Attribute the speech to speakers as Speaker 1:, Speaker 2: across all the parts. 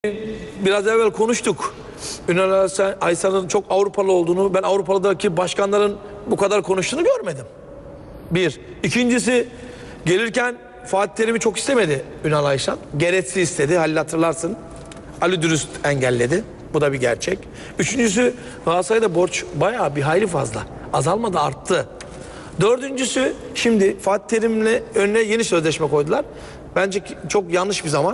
Speaker 1: Biraz evvel konuştuk. Ünal Aysal'ın çok Avrupalı olduğunu, ben Avrupa'daki başkanların bu kadar konuştuğunu görmedim. Bir. İkincisi, gelirken Fatih Terim'i çok istemedi Ünal Aysal. Geretsi istedi. Halil hatırlarsın. Ali Dürüst engelledi. Bu da bir gerçek. Üçüncüsü, Galatasaray'da borç bayağı bir hayli fazla. Azalmadı, arttı. Dördüncüsü, şimdi Fatih Terim'le önüne yeni sözleşme koydular. Bence çok yanlış bir zaman.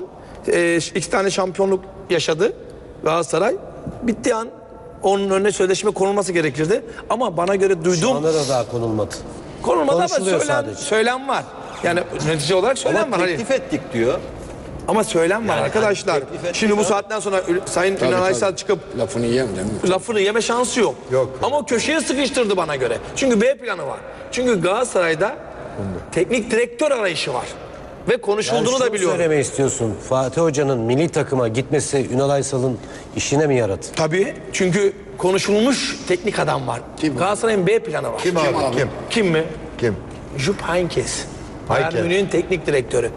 Speaker 1: 2 tane şampiyonluk yaşadı Galatasaray. Bittiği an onun önüne sözleşme konulması gerekirdi. Ama bana göre
Speaker 2: Şu
Speaker 1: duyduğum...
Speaker 2: anda da daha konulmadı.
Speaker 1: Konulmadı ama
Speaker 2: Konuşuluyor
Speaker 1: söylem var. Yani netice olarak söylem
Speaker 3: Ama
Speaker 1: var.
Speaker 3: teklif ettik diyor.
Speaker 1: Ama söylem var arkadaşlar. Şimdi bu saatten sonra Sayın Ünal Aysal çıkıp
Speaker 4: Lafını yiyem değil mi?
Speaker 1: lafını yeme şansı yok.
Speaker 4: Yok.
Speaker 1: Ama o köşeye sıkıştırdı bana göre. Çünkü B planı var. Çünkü Galatasaray'da teknik direktör arayışı var. Ve konuşulduğunu da biliyorum.
Speaker 2: Söylemeyi istiyorsun. Fatih Hoca'nın milli takıma gitmesi Ünal Aysal'ın işine mi yaradı?
Speaker 1: Tabii. Çünkü konuşulmuş teknik adam var. Galatasaray'ın B planı var.
Speaker 4: Kim abi? Kim?
Speaker 1: Kim mi?
Speaker 4: Kim?
Speaker 1: Jupp Heynckes. Bayern Münih'in teknik direktörü.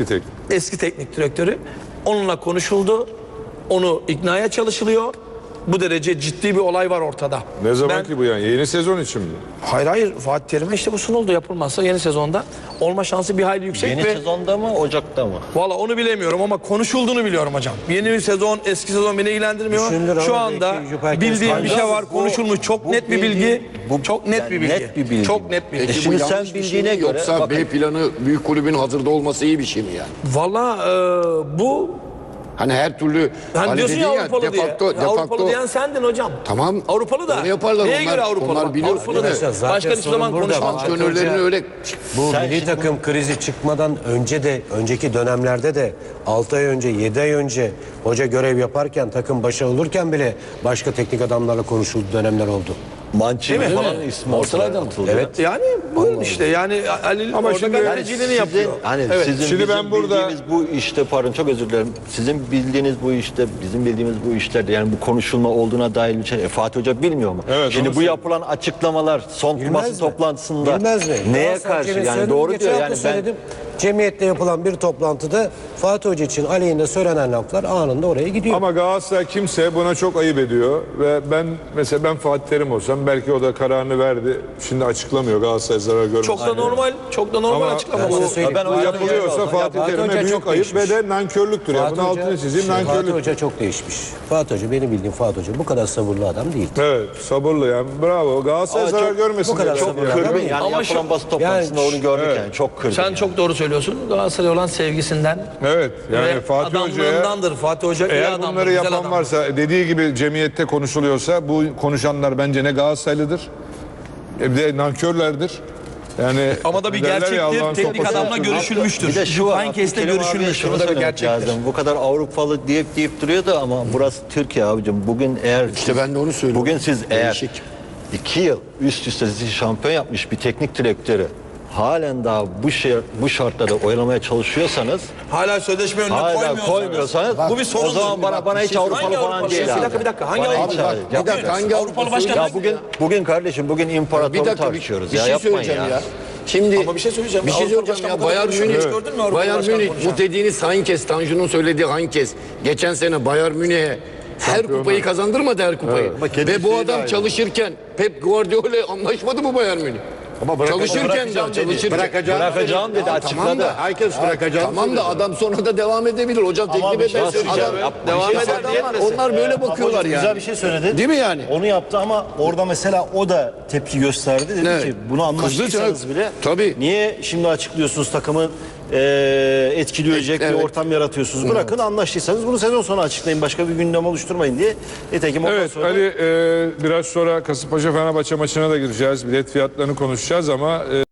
Speaker 1: Eski teknik direktörü. Onunla konuşuldu. Onu iknaya çalışılıyor. Bu derece ciddi bir olay var ortada.
Speaker 5: Ne zaman ki bu yani? Yeni sezon için mi?
Speaker 1: Hayır. Fatih Terim'e işte bu sunuldu. Yapılmazsa yeni sezonda olma şansı bir hayli yüksek.
Speaker 3: Yeni sezonda mı, Ocak'ta mı?
Speaker 1: Valla onu bilemiyorum ama konuşulduğunu biliyorum hocam. Yeni bir sezon, eski sezon beni ilgilendirmiyor.
Speaker 2: Düşünülür
Speaker 1: Şu
Speaker 2: ama
Speaker 1: anda
Speaker 2: belki Jupp Heynckes
Speaker 1: bildiğim bir şey
Speaker 3: faydalı.
Speaker 1: var, konuşulmuş. Çok net bir bilgi. Çok net bir bilgi.
Speaker 3: net bir bilgi.
Speaker 1: Çok net bir bilgi.
Speaker 4: Peki
Speaker 3: Şimdi
Speaker 4: bu
Speaker 3: sen
Speaker 4: yanlış bir şey
Speaker 3: bildiğine
Speaker 4: mi?
Speaker 3: göre-
Speaker 4: Yoksa
Speaker 3: bakın.
Speaker 4: B planı büyük kulübün hazırda olması iyi bir şey mi yani?
Speaker 1: Valla bu...
Speaker 4: Hani her türlü
Speaker 1: Hani diyorsun
Speaker 4: dedin
Speaker 1: ya Avrupalı diye.
Speaker 4: defakto,
Speaker 1: Avrupalı diyen sendin hocam.
Speaker 4: Tamam.
Speaker 1: Avrupalı da.
Speaker 4: Onu yaparlar
Speaker 1: Neye
Speaker 4: onlar.
Speaker 1: göre Avrupalı?
Speaker 4: Onlar biliyor,
Speaker 1: Avrupalı
Speaker 4: değil mi?
Speaker 1: da.
Speaker 2: Zaten
Speaker 1: Başka hiçbir
Speaker 2: sorun
Speaker 1: zaman
Speaker 2: burada.
Speaker 1: konuşmaz.
Speaker 4: Antrenörlerini öyle...
Speaker 2: Bu
Speaker 3: Sen
Speaker 2: milli
Speaker 3: şimdi
Speaker 2: takım krizi çıkmadan önce de, önceki dönemlerde de 6 ay önce, 7 ay önce hoca görev yaparken, takım başa olurken bile başka teknik adamlarla konuşulduğu dönemler oldu.
Speaker 3: Mancini
Speaker 1: Değil mi?
Speaker 3: falan ismi ortaya atıldı.
Speaker 2: Evet.
Speaker 1: Yani buyurun işte. Yani Ali
Speaker 5: Ama
Speaker 1: orada
Speaker 5: şimdi-
Speaker 1: gazeteciliğini yapıyor.
Speaker 3: Hani
Speaker 1: Evet.
Speaker 3: sizin
Speaker 5: Şimdi
Speaker 3: bizim
Speaker 5: ben burada-
Speaker 3: bildiğimiz bu işte, pardon çok özür dilerim. Sizin bildiğiniz bu işte, bizim bildiğimiz bu işlerde yani bu konuşulma olduğuna dair bir şey. Fatih Hoca bilmiyor mu?
Speaker 5: Evet,
Speaker 3: Şimdi
Speaker 5: onu
Speaker 3: bu yapılan açıklamalar son
Speaker 2: Bilmez
Speaker 3: basın
Speaker 2: mi?
Speaker 3: toplantısında
Speaker 2: Bilmez mi?
Speaker 3: neye
Speaker 2: Galatasaray
Speaker 3: karşı
Speaker 2: Cemiyeti
Speaker 3: yani
Speaker 2: söyledim,
Speaker 3: doğru
Speaker 2: geçen
Speaker 3: diyor
Speaker 2: hafta
Speaker 3: yani ben
Speaker 2: söyledim. Cemiyette yapılan bir toplantıda Fatih Hoca için aleyhinde söylenen laflar anında oraya gidiyor.
Speaker 5: Ama Galatasaray kimse buna çok ayıp ediyor ve ben Fatih Terim olsam belki o da kararını verdi. Şimdi açıklamıyor Galatasaray zarar görmesin.
Speaker 1: Çok da normal
Speaker 5: Ama
Speaker 1: açıklama
Speaker 2: ben
Speaker 1: bu.
Speaker 2: size söyleyeyim.
Speaker 3: Ben o
Speaker 5: Bu
Speaker 3: yüzden
Speaker 5: yapılıyorsa
Speaker 3: olsam
Speaker 5: Fatih
Speaker 2: Fatih
Speaker 5: Terim'e
Speaker 2: Hoca
Speaker 5: büyük
Speaker 2: çok
Speaker 5: ayıp
Speaker 2: değişmiş.
Speaker 5: ve de nankörlüktür. Ya. Bunu altını çizeyim,
Speaker 2: Fatih
Speaker 5: nankörlük.
Speaker 2: Hoca çok değişmiş. Fatih Hoca, benim bildiğim Fatih Hoca bu kadar sabırlı adam değil.
Speaker 5: Evet, sabırlı yani. Bravo. Galatasaray
Speaker 3: Ama
Speaker 5: zarar
Speaker 3: çok-
Speaker 5: görmesin.
Speaker 2: bu kadar
Speaker 5: diye.
Speaker 2: sabırlı.
Speaker 5: Çok
Speaker 3: kırgın yani
Speaker 1: Ama
Speaker 3: yapılan
Speaker 1: şu-
Speaker 3: basın toplantısında
Speaker 2: yani-
Speaker 3: onu gördük
Speaker 5: Evet.
Speaker 3: yani çok kırgın.
Speaker 1: Sen
Speaker 3: yani.
Speaker 1: çok doğru söylüyorsun. Galatasaray olan sevgisinden
Speaker 5: Evet. Yani
Speaker 1: ve
Speaker 5: Fatih Hoca'ya
Speaker 1: adamlığındandır. Fatih Hoca iyi
Speaker 5: eğer
Speaker 1: adamdır,
Speaker 5: bunları
Speaker 1: güzel
Speaker 5: yapan
Speaker 1: adamdır.
Speaker 5: varsa, dediği gibi cemiyette konuşuluyorsa bu konuşanlar bence ne Galatasaraylıdır, bir de nankörlerdir. Yani
Speaker 1: Ama da bir
Speaker 5: derler ya,
Speaker 1: gerçektir.
Speaker 5: Allah'ın
Speaker 1: Teknik
Speaker 5: sopası.
Speaker 1: adamla görüşülmüştür.
Speaker 3: Bir de şu var.
Speaker 1: Heynckes'le
Speaker 3: Abdülkerim abiye
Speaker 1: görüşülmüştür.
Speaker 3: şunu
Speaker 1: Bu da bir
Speaker 3: söylemek
Speaker 1: gerçektir.
Speaker 3: lazım. Bu kadar Avrupalı deyip duruyordu ama burası Türkiye abicim. Bugün eğer
Speaker 4: İşte ben de onu söylüyorum.
Speaker 3: Bugün siz eğer
Speaker 4: Değişik.
Speaker 3: 2 yıl üst üste sizi şampiyon yapmış bir teknik direktörü halen daha bu şartlarda oyalamaya çalışıyorsanız,
Speaker 1: Hala sözleşme önüne
Speaker 3: hala
Speaker 1: koymuyorsanız
Speaker 3: bu
Speaker 1: bir sorundur.
Speaker 3: o zaman bana hiç Avrupalı
Speaker 1: Hangi
Speaker 3: falan
Speaker 1: Avrupalı?
Speaker 3: değil
Speaker 1: Bir
Speaker 3: abi.
Speaker 1: dakika. Hangi
Speaker 3: Bana hiç
Speaker 1: Avrupalı?
Speaker 3: abi.
Speaker 4: Bir dakika hangi
Speaker 1: Avrupalı başkan
Speaker 3: Ya
Speaker 1: hangi
Speaker 3: bugün kardeşim bugün
Speaker 4: Bir
Speaker 3: imparatoru
Speaker 4: dakika
Speaker 3: tartışıyoruz
Speaker 4: bir
Speaker 3: ya,
Speaker 4: şey
Speaker 3: yapmayın
Speaker 4: söyleyeceğim
Speaker 3: ya.
Speaker 4: ya. Şimdi
Speaker 1: Ama bir şey söyleyeceğim.
Speaker 4: Bir şey
Speaker 1: Avrupa
Speaker 4: söyleyeceğim ya.
Speaker 1: Başkanı
Speaker 4: Bayern
Speaker 1: konuşuyor.
Speaker 4: Münih.
Speaker 1: Hiç gördün mü Avrupa
Speaker 4: Bayern
Speaker 1: Başkanı
Speaker 4: Münih
Speaker 1: konuşan?
Speaker 4: bu dediğiniz Heynckes, Tanju'nun söylediği Heynckes geçen sene Bayern Münih'e her kupayı kazandırmadı her kupayı. Ve bu adam çalışırken Pep Guardiola anlaşmadı mı Bayern Münih? Çalışırken de çalışırken.
Speaker 3: Bırakacağım dedi, açıkladı.
Speaker 4: Herkes bırakacağım. Tamam da adam sonra da devam edebilir. Hocam teklif
Speaker 3: bir şey
Speaker 4: ederse
Speaker 3: söyleyeceğim.
Speaker 4: adam
Speaker 1: Devam
Speaker 4: bir şey
Speaker 1: eden
Speaker 4: söyleyeyim.
Speaker 1: maalesef.
Speaker 4: Onlar böyle bakıyorlar yani.
Speaker 6: Güzel bir şey söyledi.
Speaker 4: Değil mi yani?
Speaker 6: Onu yaptı ama orada mesela o da tepki gösterdi. Dedi
Speaker 4: Evet.
Speaker 6: ki bunu anlaştıysanız
Speaker 4: Kızdı
Speaker 6: bile
Speaker 4: tabii.
Speaker 6: niye şimdi açıklıyorsunuz takımı etkileyecek bir ortam yaratıyorsunuz. Bırakın anlaştıysanız bunu sezon sonu açıklayın. Başka bir gündem oluşturmayın diye. Nitekim ondan
Speaker 5: Evet
Speaker 6: sonra
Speaker 5: Ali, biraz sonra Kasımpaşa Fenerbahçe maçına da gireceğiz. Bilet fiyatlarını konuşacağız ama